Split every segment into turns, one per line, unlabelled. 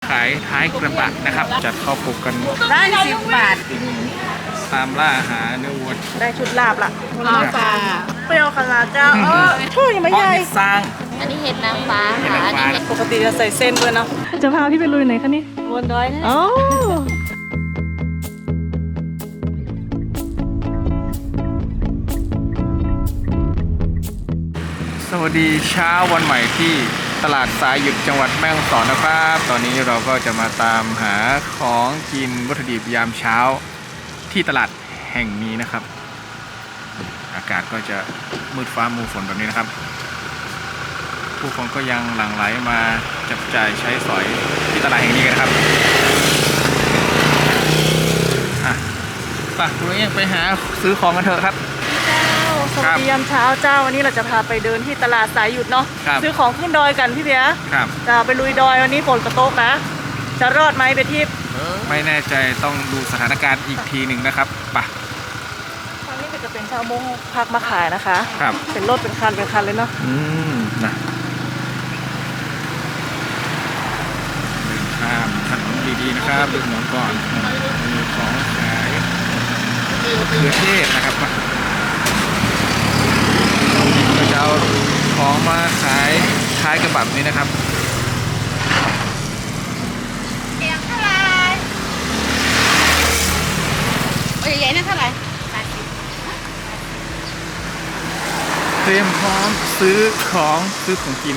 ขายท้ายกระบะนะครับจัดข้าวปลุกกัน
ได้10 บาท
ตามล่าหาเนื้อวัว
ได้ชุดลาบละปลาเปรี้ยวขนาดเจ้าช่วยยังไม่ใหญ่
สร้าง
อันนี้เห็ดนางฟ้าค่ะอันนี้
ปกติจะใส่เส้นด้วยเนาะจะพาพี่ไปลุยไหนคะนี่
บนดอยนะ
อ๋อ
สวัสดีเช้าวันใหม่ที่ตลาดสายหยุดจังหวัดแม่ฮ่องสอนนะครับตอนนี้เราก็จะมาตามหาของกินวัตถุดิบยามเช้าที่ตลาดแห่งนี้นะครับอากาศก็จะมืดฟ้ามัวฝนแบบนี้นะครับผู้คนก็ยังหลั่งไหลมาจับจ่ายใช้สอยที่ตลาดแห่งนี้กันครับคุณเองไปหาซื้อของกันเถอะครับ
สวัสดียามเช้าเจ้าวันนี้เราจะพาไปเดินที่ตลาดสายหยุดเนาะซื้อของขึ้นดอยกันพี่เบียร์จะไปลุยดอยวันนี้ฝนกระตกนะจะรอดไหมไปทิพย์
ไม่แน่ใจต้องดูสถานการณ์อีกทีหนึ่งนะครับไป
ทางนี้ก็จะเป็นชาวมงพักมาขายนะคะ
ครับ
เป็นรถเป็นคันเลยเนาะ
นะเดินข้ามถนนดีๆนะครับดูถนนก่อนมีของขายเขือเทศนะครับเราจะเอาของมาขายท้ายกระบะนี้นะครับ
เอียงเท่าไรใหญ่ๆนั่นเท่าไหร่
เตรียมพร้อมซื้อของกิน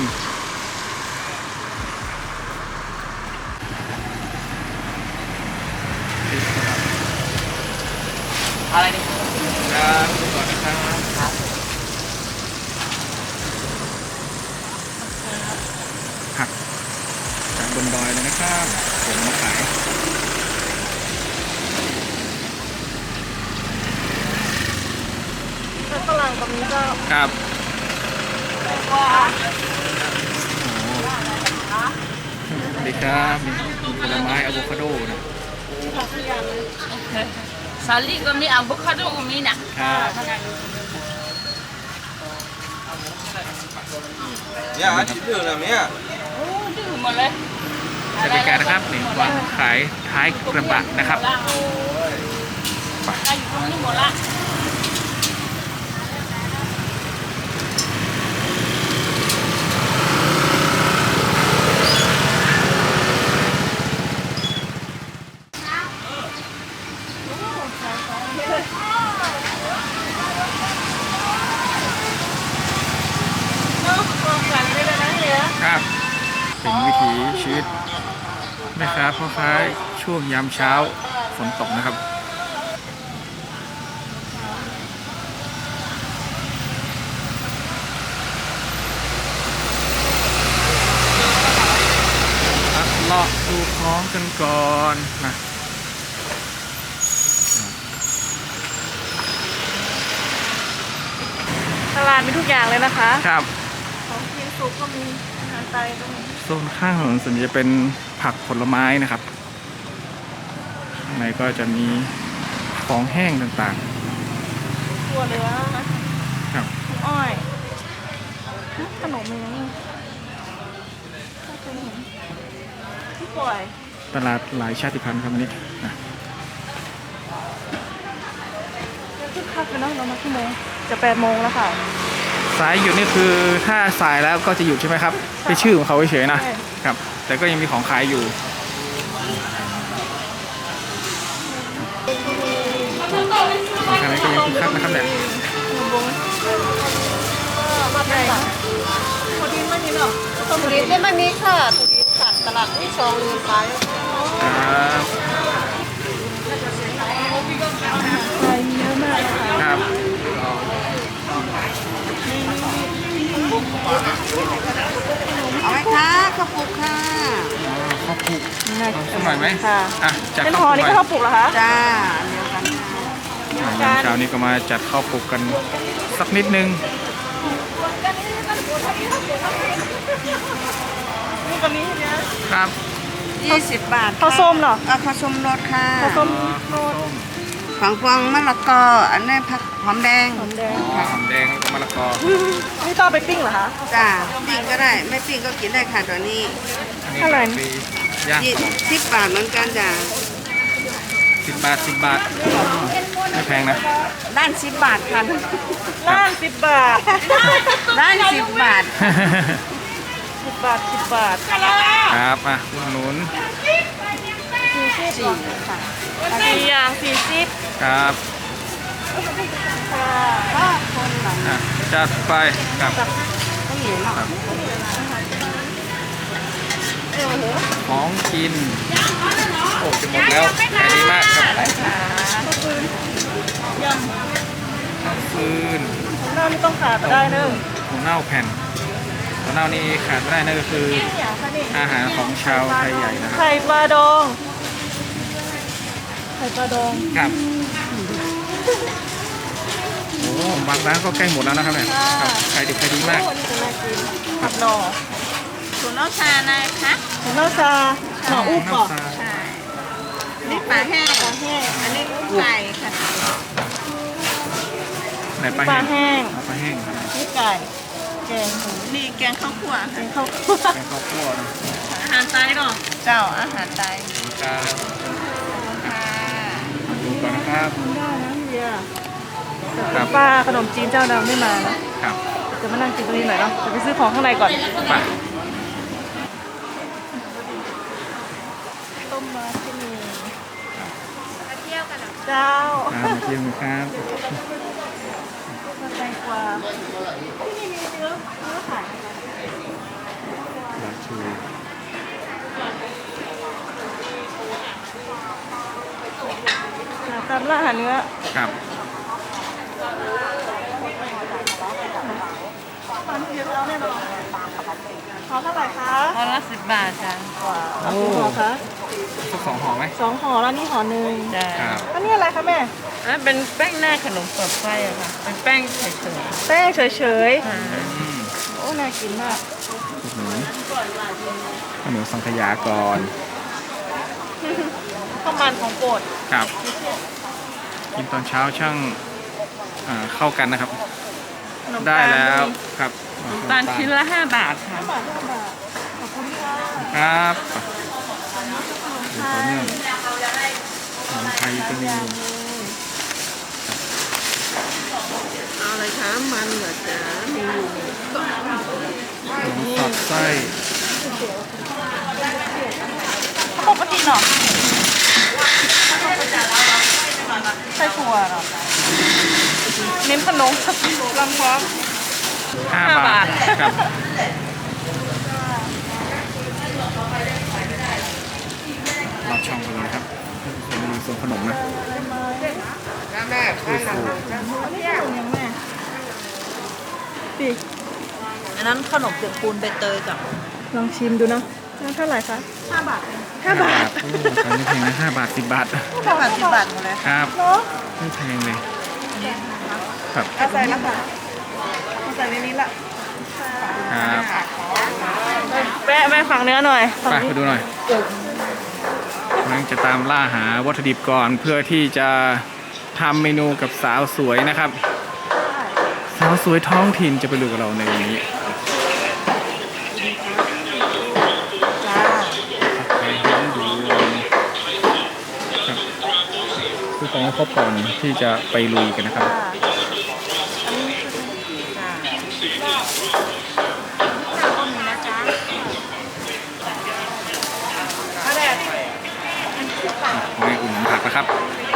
อะไรนี่
ครับก่อนนะครับผักจากบนดอยเลยนะครับเดี๋ยวมาขาย
ฝรั่งกับนี้ก็
ครับสวัสดีครับมีผลไม้อะโวคาโดนะ
สาลี่ก็มีอะโวคาโดก็มีนะครับ
เนี่ยอาทิตย์หนึ่งแล้วเนี่ย
โอ้ดื้อหมดเลย
บรรยากาศนะครับนี่วางขายท้ายกระบะนะครับ
ไปอยู่ตรงนี้หมดละ
ครับเป็นวิถีชีวิตแม่ค้าพ่อค้าช่วงยามเช้าฝนตกนะครับเลาะดูของกันก่อนนะ
ตลาดมีทุกอย่างเลยนะคะ
ครับ
ของกินสุกก็มีอาหารไทยก็มี
โซนข้างถนนส่วนใหญ่จะเป็นผักผลไม้นะครับข้างในก็จะมีของแห้งต่าง
ๆตัวเหลือนะครับอ้อยขนมอะไรนี่ที่ปล่อย
ตลาดหลายชาติพันธุ์ครับวันนี้นะ
คึกคักเลยเนาะเรามากี่โมงจะ8 โมงแล้วค่ะ
สายหยุดนี่คือถ้าสายแล้วก็จะหยุดใช่ไหมครับเป็นชื่อของเขาเฉยๆนะครับแต่ก็ยังมีของขายอยู่ทางนี้ก็ยังคึกคักนะครับเนี่ย
ตัวดินไม่มีหรอ
ตัวดินไม่มีค่ะตัวดินตัดตลาดที่2ลืมไป
ครับ
ไปเยอะมาก
ครับ
เอาไหมคะข้าวปลุกค่ะ
ข้าวปลุกสักหน่อยไหม
ค่ะ
จาก
ข้าวปลุกนี่ก็ข้าวปลุกเหรอคะ
จ้า
เดียวกันเช้านี้ก็มาจัดข้าวปลุกกันสักนิดนึง
นี่ตัวนี้
นะครับ20 บาท
ข้าวส้มเหรอ
ข้าวส้มรสค่ะ
ข้าวส้มรส
หฝังฟองมะละกออันนี้ผักหอมแดง
หอมแดง
อ๋อหอมแดงแล้วก็มะละกอ
นี่ต้องเอาไปปิ้งเหรอคะ
จ้าปิ้งก็ได้ไม่ปิ้งก็กินได้ค่ะตัวนี้
อันนี้
เท่าไหร่
ฟรีย่าง
10 บาทเหมือนกันจ้า
10 บาทไม่แพงนะ
ด้าน10 บาทค่ะ
ล่าง10 บาท
ด้าน10 บาท
10 บาท 10 บาท
ครับอ่ะอุดหนุน
4ค่ะ
อันนี้อย่าง40
ครับ
ค่ะ
ก็คนหลัง
อ่ะจัดไปครับ
ต้องเหนียวเนาะ
ของกินโอ้จะหมดแล้วขายดีมากครับ
ย
ฟืน
ำของเรานี่ต้องขาดไม่ได้เนอะ
ถั่วเน่าแผ่นถั่วเน่านี่ขาดไม่ได้นั่นก็คือ
อย่างค่ะนี่
อาหารของชาวไทยใหญ่นะครับ
ไข่ปลาดอง ไข่ปลาดอง
ครับโอ้บางร้านก็ใกล้หมดแล้วนะครับเนี่ยครับขายดิบขายดีมาก
โอ้นี่จะน่ากินผัดหน่อ
ถั่วเน่าชานะคะ
ของเราซาหน่ออุบก่อน
ใช่นี่ปลาแห้ง
ปลาแห้ง
อันนี้ไก่ค่ะ
ไหนปลา
ปลา
แห้ง
แห้ง
เอาปลาแห้งครับ
นี่ไก่แกงหมู
นี่แกงข้าวคั่ว
แก
ค่ะ
งข้าวคั่ว
แกงข้าวคั่วนะ
อาหารไทยเนาะ
เจ้าอาหารไทย
ครับ
ค่ะ
ดูก่อนนะครับ
ได้นะเฮีย
ครับ
ป้าขนมจีนเจ้าดังไม่มานะครับ จะมานั่งกินตรงนี้หน่อยเนาะจะไปซื้อของข้างในก่อน
ไป
ต้มมาที่นี่มาเที่ยวกันเจ้า
มาเที่ยวครับ
มาแตงกวาที่นี่มีเนื้อขาย
ลาชู
ตามร้านอาหารเนื้อ
ครับ
ตอนนี้เยอะแล้วแน่นอนขอเท่าไหร่คะ
ห่อละ10 บาทจ้ะ
เอากี่ห่อคะ
สัก2 ห่อไหม
2 ห่อแล้วนี่ห่อหนึ่ง
จ้ะ
ครับ
อันนี้อะไรคะแม่
อันเป็นแป้งหน้าขนมเปิดไฟอะค่ะ เป็นแป้งเฉย
แป้งเฉย
ๆค่ะ
อืม
ๆ โอ้น่ากินมาก
อุดหนุนข้าวเหนียวสังขยาก่อน
ข้าวมันของโปรด
ครับ กินตอนเช้าช่างเข้ากันนะครับ
ขนม
ได้
ตาล
แล้วครับ
ตาลชิ้นละ5 บาทค่ะ
5 บาท5 บาท ขอบคุณค่ะ
ครับต่อเนื่องขนมไทยก็มี
เอาอะไรคะ มันเหรอจ๊ะมีอยู่
ขนมสอดไส้
ปกติเนาะไส้ถั่วเนาะเน้นขนมลำพร้อม
5 บาทครับเราช่องกันเลยครับเป็นเมนูส่วนขนมนะ
แม่
คือฟู
อันนี้ขนมยังแม่ดิ
อันนั้นขนมเปียกปูนใบเตยกับ
ลองชิมดูเนาะแล้วเท่าไหร่คะ5 บาท5 บาท
โอ้ราคาไม่แพงนะ5 บาท 10 บาท
5 บาท10 บาทหมดเลย
ครับ
เนาะ
ไม่แพงเลยครับ
เอาใส่แล้วค่ะเอาใส่ในนี้ละ
ครับ
แม่ฝั่งเนื้อหน่อยฝั่ง
ไป
นี้
ไปดูหน่อยกำลังจะตามล่าหาวัตถุดิบก่อนเพื่อที่จะทำเมนูกับสาวสวยนะครับ สาวสวยท้องถิ่นจะไปดูกับเราในวันนี้
จ้า
ไปหอมดูครับคือของครบก่อนที่จะไปลุยกันนะครับ ไม่อุ่นนผักนะครับ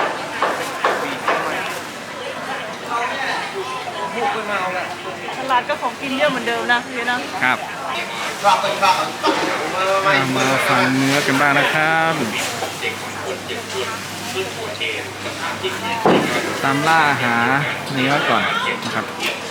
ตลาดก็ของกินเยอะเหมือนเดิมนะพี่นะครับ
มาฟังเนื้อกันบ้างนะครับ ตามล่าหาเนื้อก่อนนะครับ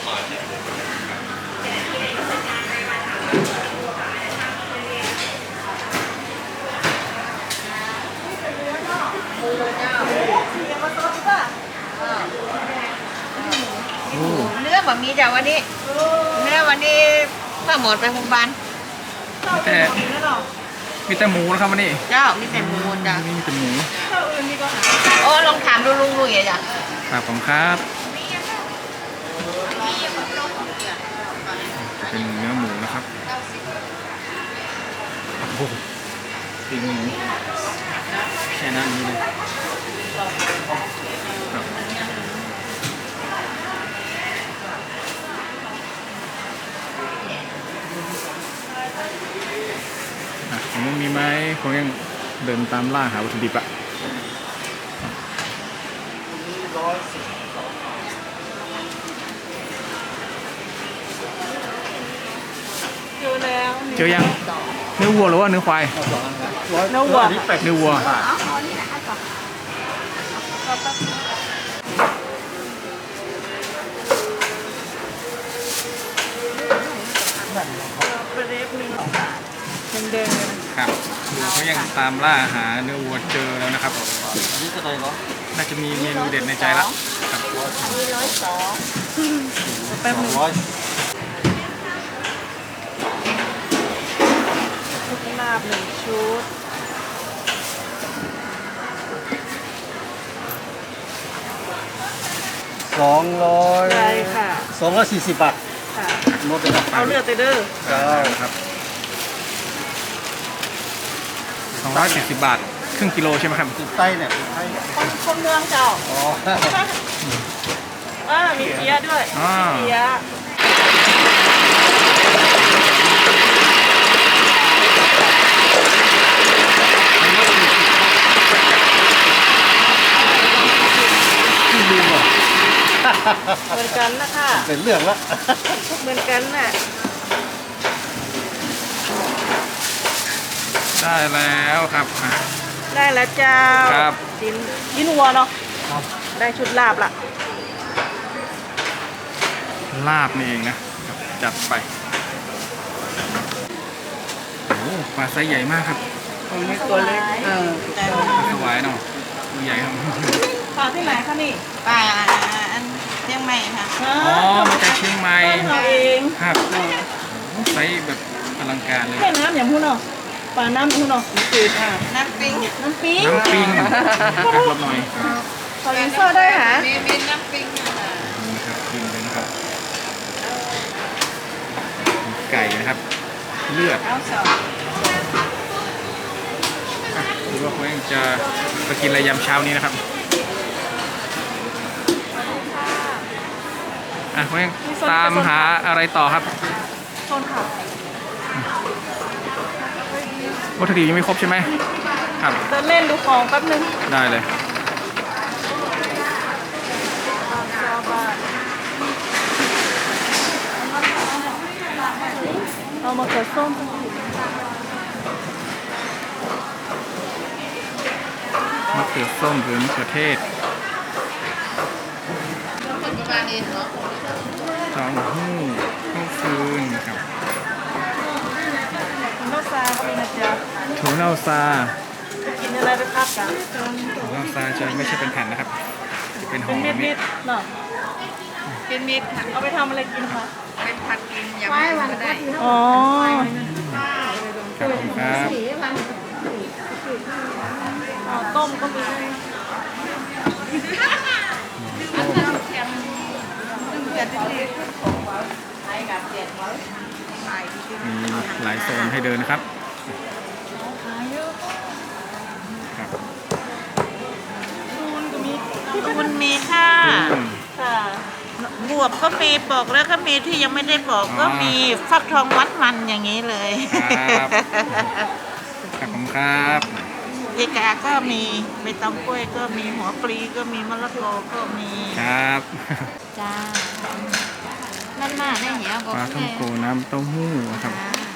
เนื้อบะหมี่จ้ะวันนี้ เนื้อวันนี้ป้าหมดไปโรงพยาบาล
แต่
แล้วเนาะ
มีแต่หมูนะครับวันนี้
เจ้ามีแต่หมูจ้ะ
มีแต่หมู
ข้าวอื่นนี่ก็หา
โอ้ลองถามดูลุงๆอย่าจ้ะ
ครับผมครับเป็นเนื้อหมูนะครับโอ้โหปีกหมูแค่นั้นนี้เลยครับผมมีไหมผมยังเดินตามล่าหาวัตถุดิบอะ
เจอแล้ว
เจอยังเนื้อวัวหรือว่าเนื้อควาย
เนื้อวัว
เนื้อวัว
เป็นเล็บนี่แดงๆเลยนะครับ
เขายังตามล่าหาเนื้อวัวเจอแล้วนะครับ
นี่จะอะไรเนาะ
น่าจะมีเมนูเด็ดในใจละครับ
มี102
แป๊บนึง
ร้อย
ลาบหนึ่งชุดได้ค่ะ
240 บาท
ค่ะ
หมดเลยครับ
เอาเลือดไปเด้อ
ครับ270 บาท ครึ่งกิโลใช่ไหมครับ
ติดใต้เนี่ยติดใต้
คนเมืองเจ้า
อ๋อ
มีเกี๊ยะด้วย
อ่า
เกี๊ยะ
ที่ลืมอ่ะ
เหมือนกันนะคะ
เป็นเรื่องละ
เหมือนกันน่ะ
ได้แล้วครับอ่ะ
ได้แล้วเจ้า
ครับ
กินวัวเนาะได้ชุดลาบละ
ลาบนี่เองนะครับจัดไปโอ้โหปลาไซส์ใหญ่มากครับ
ผมมีตัวเล็ก
ปลาสวายเนาะตัวใหญ่ครับ
ปลาที่ไหนคะนี่
ป่าอันเชียงใหม่ค่ะ
อ๋อมาจากเชียงใหม่
เราเอง
ครับโอ้โหไซส์แบบอลังการเลย
แค่น้ำอย่างพูดเนาะปลาน้ำพูดเนาะจืดค่ะ
น้ำปิ้ง
น้ำปิ้ง
น้ำปิ้งรอบหน่อย
ขอยินเซอร์ได้หะ
มีน้ำปิ้งค่ะ
นี่นะครับกินเลยนะครับมีไก่นะครับ เลือด
เอาสอง
หรือว่าเขายังจะไปกินอะไรยามเช้านี้นะครับเขายังตามหาอะไรต่อครับ
โซนค่ะ
วัตถุดิบยังไม่ครบใช่ไหมครับ
เดินเล่นดูของแป๊บนึง
ได้เลย
เอามาเขือส้ม
มะเขือส้มหรือมะเขือเทศ
คนประมาณนี้เนาะ
เต้าหู้ข้าวฟืนครับ
คุณน้าซาก็มีนะจ๊ะ
ถั่วเน่าซา
จะกินอะไรไปพักกัน
ถั่วเน่าซาจะไม่ใช่เป็นแผ่นนะครับจะเป็นห่
เป็
อน
เม็ดๆเนาะ
เป็นมิตรค่ะ
เอาไปทำอะไรกินคะ
เป็นผัดกินยำก็ได้
อ๋อ
ครับผมครับ
ต้มก็มี
มีหลายโซนให้เดินนะครับครับ
คูนก็มี
คุณมีค่ะ
อืม
ค่ะ
บวบก็มีปอกแล้วก็มีที่ยังไม่ได้ปอกก็มีฟักทองมัดมันอย่างนี้เลย
ครับครับผมครับ
เอกาก็มีใบตองกล้วยก็มีหัวปลีก็มีมะละกอก็มี
ครับ
จ้านั่นน่ะได้เหี้ยบอก
ปลาท่องโกน้ำเต้าหู้ครับ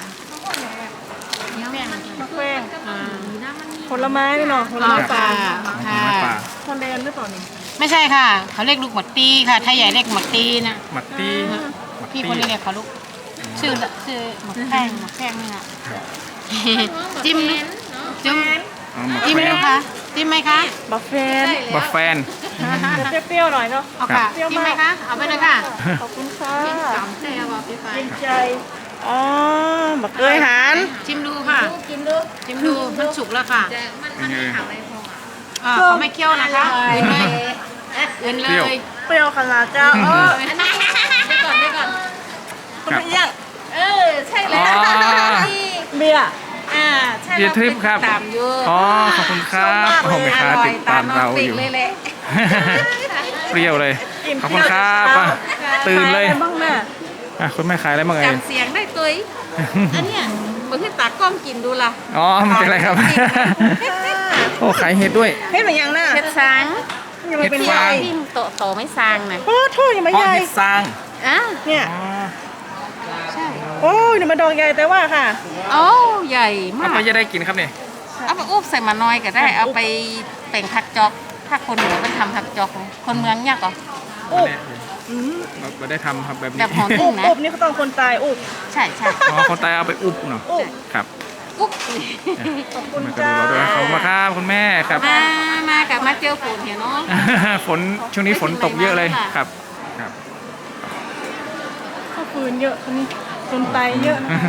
มะแขว้งผลไม้นี่เนาะผลไม้ป่า
ของไม้ป่า
ฮอลแลนด์หรือเปล่านี่
ไม่ใช่ค่ะ เขาเรียกลูกหมดตีค่ะ ถ้าใหญ่เรียกหมดตีนะ
หมักตี้หมัก
พี่
ตี้
คนนี้เรียกเขาลูก ชื่อหมดแข้งนี่นะจิ้มนะจิ้ม
อ๋อหมัก
จิ้มไหม
แฟน
คะจิ้มไหมคะ
บัฟเฟน
บัฟแฟน
จะเปรี้ยวๆหน่อยเนาะ
เอาค่ะจิ้มไหมคะ เอาไปเลยค่ะ
ขอบคุณค่ะ
สามใจเอาไปไป
เย็นใจอ๋อบักเกยหาน
ชิมดูค่ะชิมดูมันสุกแล้วค่ะ
เป็นไง
เขาไม่เคี่ยวนะคะอื่นเลย
เปรี้ยวขนาดเจ้า
ได้ก่อน
คุณพี่ยัง
ใช่
อ๋
แล้
อ
ว
เบียร์
ใช่
เบียร์ทริปครับ
ตามอยู่
อ๋อขอบคุณครับโอ้โหแม่ค้าติดตามเราอยู่
เลยแหละ
เปรี้ยวเลย ขอบคุณครับอ่ะตื่นเลย
ขายอะไรบ้างแม่
อ่ะคุณแม่ขายอะไรบ้างเอ่ย
จำเสียงได้ตัวอันเนี้ยมือที่ตากล้องกินดูล่ะ
อ๋อไม่เป็นไรครับ โอ้ขายเห็ดด้วย
เฮ็ดเหมือนยังน่ะ
เห็ดซาง
ยังไม่เป็น
เฮ็ด
ให
ฟา
ญ่
ง
ที่โตไม่ซางนะ
โอ้โทษยังไม่
เพราะ
ใหญ่
เห็ดซาง
อ่ะ
เนี่ย
อ๋อ
โอ้ยเดี๋ยวมาดองใหญ่แต่ว่าค่ะ
โอ้ใหญ่
เอา
มาก
ไปจะได้กินครับเนี่ย
เอาไปอุบใส่มาน้อยก็ได้ เอาไปแป่งผักจอกถ้าคนเหนือเป็นทำผักจอกคนเมืองยากเหรอ
อุ๊บ
เราได้ทำครับแบบนี้
แบบหอม
อุบอุบนี่เขาต้องคนตายอุบ
ใช่ใช่
อ๋อคนตายเอาไปอุบเนาะ
อุบ
ครับ
อุ๊บ
ขอบคุณ
มากระ
จ้า
ดูเราด้วยขอบคุณครับคุณแม่ครับ
มากับมาเจอฝนเห็นเนาะ
ฝนช่วงนี้ฝนตกเยอะเลยครับครับ
ข้าวฟืนเยอะคนนี้คนตายเยอะนะ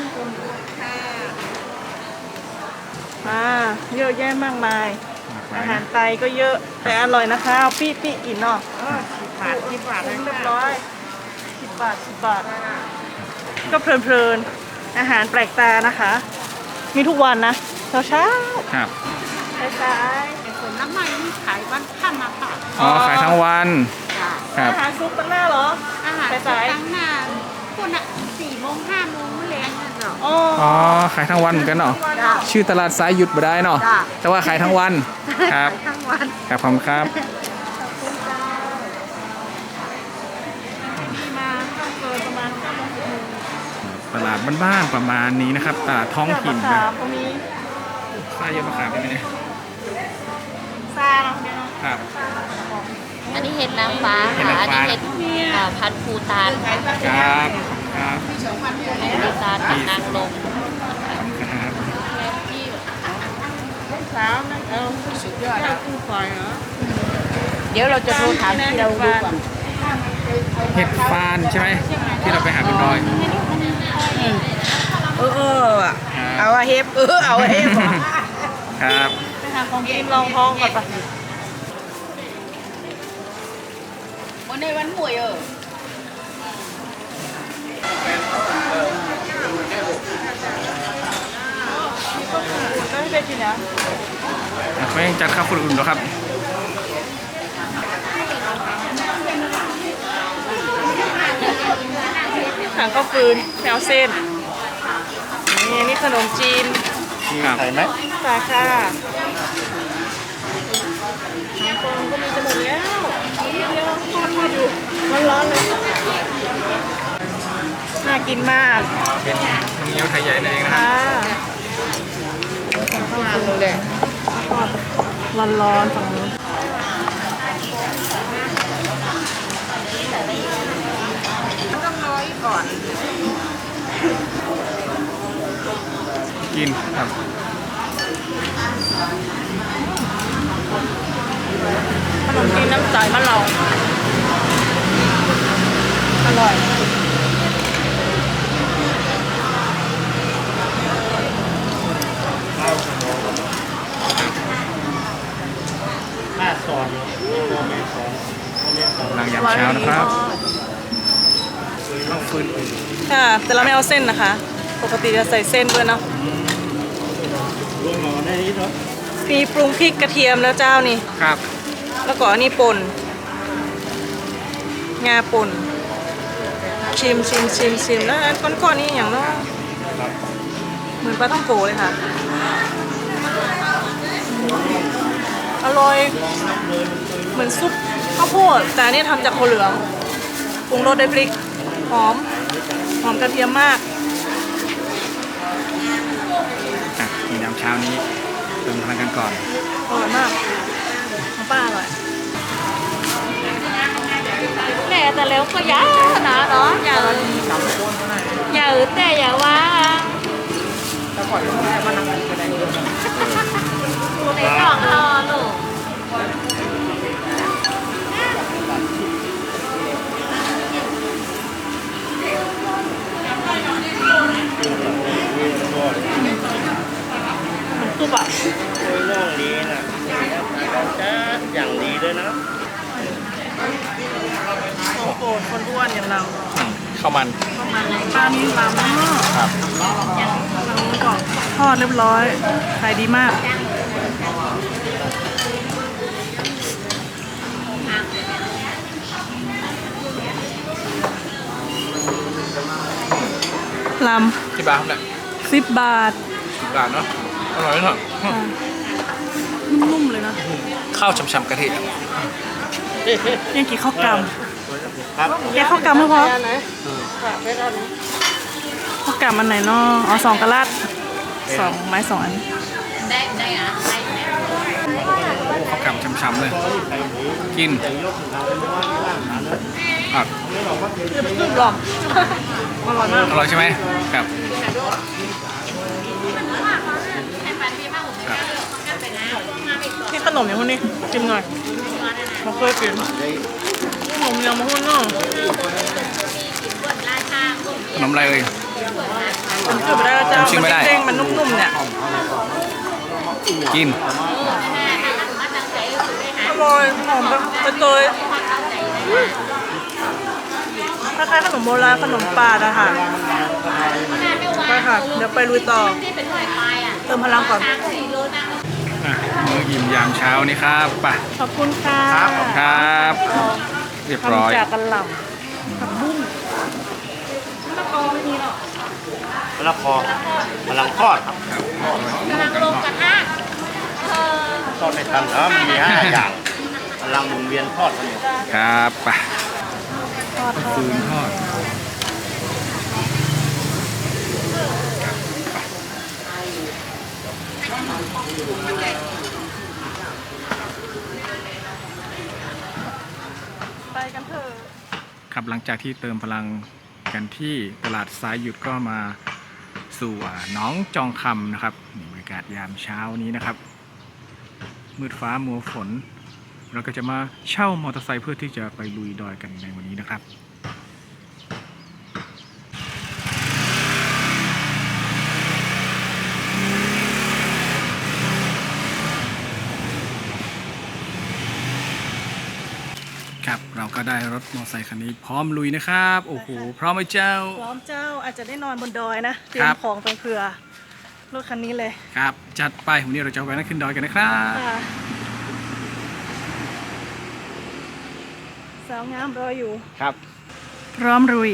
เยอะแยะมากมาย อาหารไทยก็เยอะแต่อร่อยนะคะเอาปี้กินเนาะ10 บาทเรียบร้อย10 บาทก็เพลินๆอาหารแปลกตานะคะ มีทุกวันนะเช้า
ครับ
สาย
ฝนน้ำมันนี่ขายวันค่ำมาค่ะ
อ๋อขายทั้งวันครับ
อาหารซุปตั้งหน้าเหรอ
อาหาร
สาย
ตั้งหน้าคนอ่ะ4 โมง 5 โมงมื้อแรงนั่นเหรอ
อ๋อ
อ๋อขายทั้งวันเหมือนกันเนาะชื่อตลาดสายหยุดบ่ได้เนาะ
จ้ะ
แต่ว่าขายทั้งวันครับ
ทั้งวัน
ครับขอบคุณครับ
มาต้องเกินประมาณ5 โมง
ตลาดบ้านๆประมาณนี้นะครับตลาดท้องถิ่น
ค่ะ
นะ
ก็มี
ป้ายเยอะมะขามได้ไหมเนี่ย
ซาเนาะเดี๋ยวเนาะ
ครับ
อันนี้เห็ดนางฟ้า
เห็ด
ค่ะ
นาง
อัน
ฟ้า
นี้เห็ดพันธุ์ภูตานค่ะ
ครับครับ
ภูตานกับนางลม
ครับ
สาวนะสุดยอดคู่คอยเหรอ
เดี๋ยวเราจะโทรถามที่เราดูก่อน
เห็ดฟานใช่ไหมที่เราไปหาบนดอย
เอาอะเฮฟเอาอะเฮฟ
ครับ
ไปหาของกินลองท้องก่อนปะ
วันในวันหวย
ก็ให้ได้กินนะ
ไม่จัดข้าวคนอื่นหรอกครับ
หางข้าวฟืนแมวเส้นนี่ขนมจีน
ครับ
ไข่ไหม
สาค่ะน้ำฟองก็มีจะหมดแล้วนิดเดียวทอดอยู่ร้อนๆเลยน่ากินมาก
เป็นน้ำเงี้ยวไทยใหญ่นั่นเองนะค
ค่ะ
รับ
ร้อนๆฝั่งนู้น
กินครับ
ขนมจีนน้ำใสมะเราอร่อย
หน้าซอนตัวแม่ซอน
หลังยามเช้านะครับข้าวฟืน
ค่ะแต่เราไม่เอาเส้นนะคะ ปกติจะใส่เส้นด้วยเนาะ
รวมหน่อได้นิดเนาะ
มีปรุงพริกกระเทียมแล้วเจ้านี่
ครับ
แล้วก็อันนี้ป่นงาป่นชิมแล้วอันก้อนๆนี่อย่างเนาะเหมือนปลาท่องโกเลยค่ะ อร่อยเหมือนซุปข้าวโพดแต่อันนี่ทำจากโคเหลืองปรุงรสด้วยพริกหอมกระเทียมมาก
อ่ะกินยามเช้านี้เติมพลังกันก่อน
อร่อยมากของป้าอร่อย
แม่แต่แล้วก็ยานะเนาะอย่าอึดแต่อย่าว่าในกล่องรอลูก
องนี้นะเราจะอย่างดีเลยนะ
ของโปรดคนอ้วนอย่างเรา
ข้าวมัน
ปลานิลลำ
ครับ
เราก่อนทอดเรียบร้อยขายดีมากล
ที่บ้านครับเนี่ย
ำ10 บาท
10 บาทเนาะอร่อยเนาะ
นุ่มๆเลยนะ
ข้าวฉ่ำๆกะทิครับ
ยังกี่ข้าวก
ครับ
ำแกข้าวกำไม่พอข้าวกำอันไหนเนาะอ๋อ2 กะลัด2 ไม้ 2 อัน
ได้อะ
ข้าวกำฉ่ำๆเลย กินครับ
ขึ้นหรอกอร่อยมาก
อร่อยใช่ไหมครับ
นี่ขนมอย่างพวกนี้ชิมหน่อยมาเคยกินขนมอย่างมาหุ้นเนาะ
ขนมอะไรเอ่ย
มันคือไม่ได้แล้วจ้า
ชิมไม่ได้
เด้งๆมันนุ่มๆเนี่ย
กิน
อร่อยหอมแบบเตยคล้ายๆขนมโบราณขนมปาดอะค่ะไปค่ะ เดี๋ยวไปลุยต่อ เติมพลังก่อน
อ่ะมื้ออิ่มยามเช้านี้ครับไป
ขอบคุณค่ะ
ครับ เรียบร้อย
ทำจากกะหล่ำผักบุ้งมะละกอไม่มีหรอก
มะละกอพลังทอดครับ
ลงกระทะ
ทอดในทันแล้วมันมี5 อย่างพลังหมุนเวียนทอดกันอยู่
ครับไป
ทอด
ฟืนทอด
ไปกันเถอะ
ครับหลังจากที่เติมพลังกันที่ตลาดสายหยุดก็มาสู่หน้องจองคำนะครับนี่บรรยากาศยามเช้านี้นะครับ มืดฟ้ามัวฝน เราก็จะมาเช่ามอเตอร์ไซค์เพื่อที่จะไปลุยดอยกันในวันนี้นะครับ ครับเราก็ได้รถมอเตอร์ไซค์คันนี้พร้อมลุยนะครับ โอ้โห พร้อมไหมเจ้า
พร้อมเจ้าอาจจะได้นอนบนดอยนะ เตรีย
ครั
ม
บ
ของไปเผื่อรถคันนี้เลย
ครับ จัดไปวันนี้เราจะไปนั่งขึ้นดอยกันนะครับ
ค่ะสาวงามรออยู่
ครับ
พร้อมรุย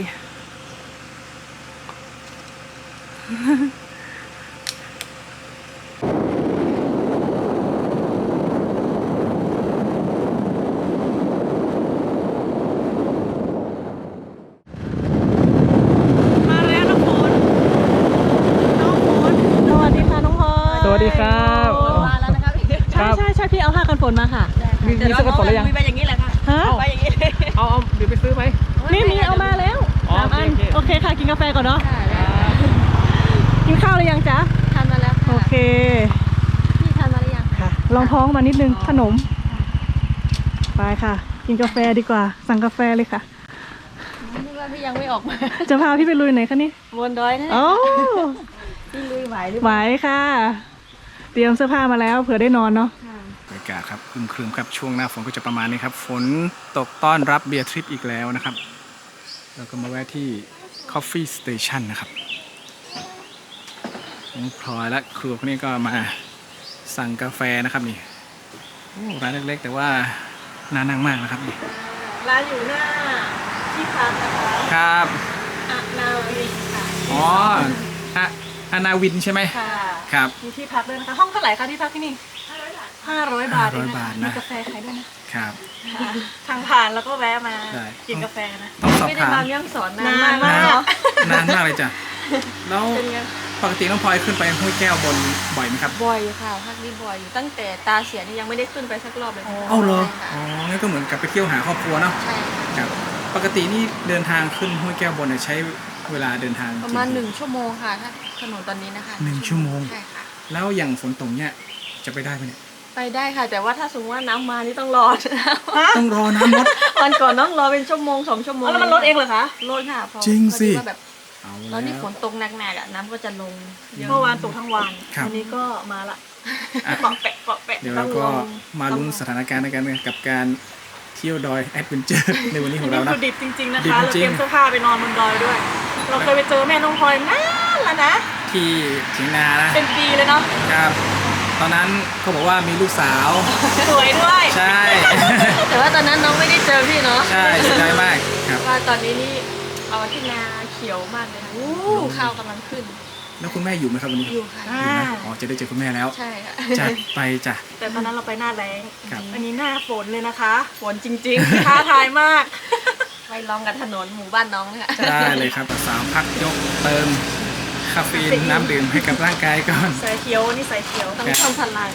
มาแล้วน้องฝนน้องฝนสวัสดีค่ะน้องพลอย
สวัสดีครับ
มาแล้วนะครับพี่
ใช่พี่เอาผ้ากันฝนมาค่ะ
มีเสื้อกันฝนหรือยัง
มีไปอย่างนี้แหละค่ะ
ฮะ
ไปอย่างนี้เลย
เอาเดี๋ยวไปซื้อไหม
นี่มีเอามาแล้ว
อ๋อ
3 อัน
โอเค
โอเคค่ะ กินกาแฟก่อนเนาะ กินข้าวหรือยังจ๊ะ
ทานมาแล้ว
โอ
ค่ะ
เค
พี่ทานมาหรือยัง
ค่ะ ลองท้องมานิดนึง ขนม ไปค่ะ กินกาแฟดีกว่า สั่งกาแฟเลยค่ะ
นึกว่าพี่ยังไม่ออกมา
จะพาพี่ไปลุยไหนคะนี่
บนดอยนั่นแหละ
โอ้
พี่ลุยไหวหรือ
ไหวค่ะ เตรียมเสื้อผ้ามาแล้วเผื่อได้นอนเนาะ
บรรยากาศครับครึมๆครับช่วงหน้าฝนก็จะประมาณนี้ครับ ฝนตกต้อนรับเบียร์ทริปอีกแล้วนะครับ เราก็มาแวะที่ Coffee Station นะครับน้องพลอยและครัวคนนี้ก็มาสั่งกาแฟนะครับนี่โอ้ร้านเล็กๆ แต่ว่าน่านั่งมากนะครับนี่
ร้านอยู่หน้าที่พักนะคะ
ครับ
อานาวีค่ะ
อ๋ออานาวินใช่ไหม
ค่ะ
ครับ
มีที่พักด้วยนะคะ ห้องเท่าไหร่คะที่พักที่นี่500 บาทเอง
500 บาท
มี
นะ
กาแฟขายด้วยนะ
ครับ
ค่ะทางผ่านแล้วก็แวะมา
ได้
กินกาแฟนะ
ต้องสอบ
ไม่ได้
ถาม
มาเรื่องสอนนาน
นาน
มาก
มาก
เนาะ
นานมากเลยจ้ะแล้ว
เป็นไง
ปกติน้องพลอยขึ้นไปห้วยแก้วบนบ่อยไหมครับ
บ่อยอยู่ค่ะภาคนี้บ่อยอยู่ตั้งแต่ตาเสียนี่ยังไม่ได้ขึ้นไปสักรอบเลยค่ะ
เอ้าเหรอ
ใช่
อ๋อ
ค่ะ
งั้นก็เหมือนกับไปเที่ยวหาครอบครัวเนาะ
ใช่ค่ะ
ครับ ปกตินี่เดินทางขึ้นห้วยแก้วบนเนี่ยใช้เวลาเดินทาง
ประมาณ
กี่
1 ชั่วโมงค่ะถ้าถนนตอนนี้นะคะ
1 ชั่วโมง
ใช่ค่ะ
แล้วอย่างฝนตกเนี่ยจะไปได้ไหมเนี่ย
ไปได้ค่ะ แต่ว่าถ้าสมมติว่าน้ำมานี่ต้องรอ
ต้องรอน้ำลด
วันก่อนต้องรอเป็นชั่วโมง2 ชั่วโมง
แล้วมันลดเองเหรอคะ
ลดค่ะพอ
จริงสิ
พอดีว่าแบบ
เอา
แล้วนี่ฝ
แล้ว
นตกหนักๆอ่ะน้ำก็จะลงเยอะ
เมื่อวานตกทั้งวัน
ครับ
วันนี้ก็มาละ
อ่ะ
เปาะแปะเปาะแปะ
เดี๋ยวเราก็มาลุ้นสถานการณ์ในการกับการเที่ยวดอยแอดเวนเจอร์ในวันนี้ของเรา
นี่
นะ
คือดิบจริงๆนะ
ดิบ
คะเรา
จริ
เต
ง
รียมเสื้อผ้าไปนอนบนดอยด้วย เราเคยไปเจอแม่น้องพลอยนานแล้วนะ
ที่เถียงนานะ
เป็นปีเลยเนาะ
ครับ ตอนนั้นเขาบอกว่ามีลูกสาว
สวยด้วย
ใช่
แต่ว่าตอนนั้นน้องไม่ได้เจอพี่เนาะ
ใช่เสียดายมากครับ
ว่าตอนนี้นี่เอาที่นาเขียวมากเลยค่ะข้าวกำลังขึ้น
แล้วคุณแม่อยู่ไหมครับวันนี้
อยู่ค่ะ
อ่า
อยู่นะอ๋อจะได้เจอคุณแม่แล้ว
ใช่ค่ะ
จัดไปจ้ะ
แต่ตอนนั้นเราไปหน้าแรง
ครับ
อันนี้หน้าฝนเลยนะคะ ฝนจริงๆ ท้าทายมาก
ไปลองกันถนนหมู่บ้านน้องเลยค่ะ
ได้เลยครับสาวพักยกเติมคาเฟอีนน้ำดื่มให้กับร่างกายก่อน
สายเขียวนี่สายเขียว
ต้องทำพลัง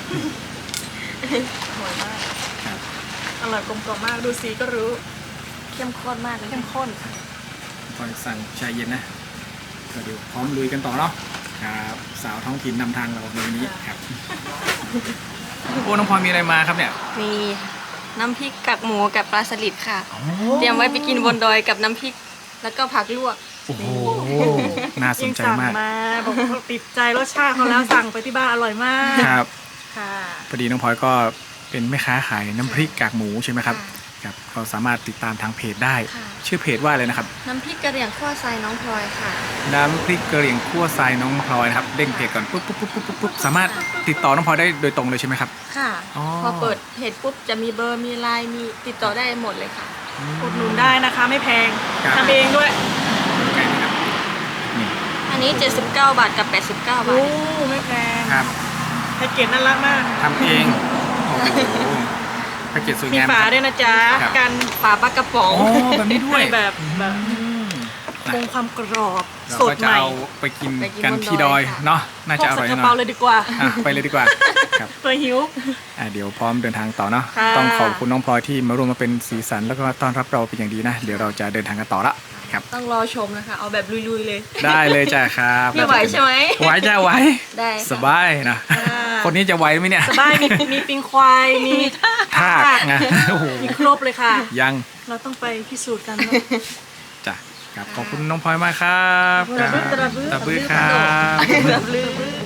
อร่อยมาก
ครับ
อร่อยกลมกล่อมมาก ดูสีก็รู้
เข้มข้นมากเลย
เข้มข้น
คอยสั่งชาเย็นนะก็เดี๋ยวพร้อมลุยกันต่อเนาะครับสาวท้องถิ่นนำทางเราในวันนี้ครับโอ้น้องพลอยมีอะไรมาครับเนี่ย
มีน้ำพริกกากหมูกับปลาสลิดค่ะ เตรียมไว้ไปกินบนดอยกับน้ำพริก แล้วก็ผักลวก
โอ้โหน่าสนใจ
สั่ง
มาก
มาบอกว่าติดใจรสชาติเขาแล้วสั่งไปที่บ้านอร่อยมาก
ครับ
ค่ะ
พอดีน้องพลอยก็เป็นแม่ค้าขายน้ำพริกกากหมูใช่ไหมครับครับก็สามารถติดตามทางเพจได้
ค่ะ
ชื่อเพจว่าอะไรนะครับ
น้ำพริกกระเหรี่ยงข้อทรายน้องพลอยค่ะ
น้ำพริกกะเหรี่ยงคั่วทรายน้องพลอยนะครับเด้งเพจก่อนปุ๊บปุ๊บปุ๊บปุ๊บปุ๊บสามารถติดต่อน้องพลอยได้โดยตรงเลยใช่ไหมครับ
ค่ะ
อ๋อ
พอเปิดเพจปุ๊บจะมีเบอร์มีไลน์มีติดต่อได้หมดเลยค่ะ
อุดหนุนได้นะคะไม่แพง
ครับ
ทำเองด้วย
ใกล้นะครับนี่
อันนี้ 79 บาทกับ 89 บาท
โอ้ไม่แพง
ครับ
แพ็กเกจน่ารักมาก
ทำเองโอ้โหแพ็กเกจสวย
มี
งาม
ฝา
ครับ
ด้วยนะจ๊ะ
ครับ
กัน
ฝาปลากระป๋อง
อ๋อแบบนี้ด้วย
ให้แบบ
อืม
คงความกรอบ
เรา
สด
ก็
ให
จะ
ม่
เอาไปกิน
ไปกิน
กัน
บน
ที่
ด
ด
อ
อย ย
ค่ะ
เนาะน่า
พ
จะ
ก
อร่
ใส่
อย
กระ
แน่นอ
เป๋าน เลยดีกว่า
อ่ะไปเลยดีกว่าครับ
ตัวหิว
เดี๋ยวพร้อมเดินทางต่อเนาะ
ค่ะ
ต้องขอบคุณน้องพลอยที่มาร่วมมาเป็นสีสันแล้วก็ต้อนรับเราเป็นอย่างดีนะ เดี๋ยวเราจะเดินทางกันต่อละครับ
ต้องรอชมนะคะ เอาแบบลุยๆเลย
ได้เลยจ้ะครับ
พี่ไหวใช่ไหม
ไหวจ้ะไหว
ได้ค่ะ
สบายนะ คนนี้จะไหวไหมเนี่ย
สบายมีปิงควายมี
ทากนะโอ้โห
มีครบเลยค่ะ
ยัง
เราต้องไปพิสูจน์กันว่า
จ้ะครับขอบคุณน้องพลอยมากครับ
ตระบึ้ตระบึ้
ตะบื้อครับ
แบบลืม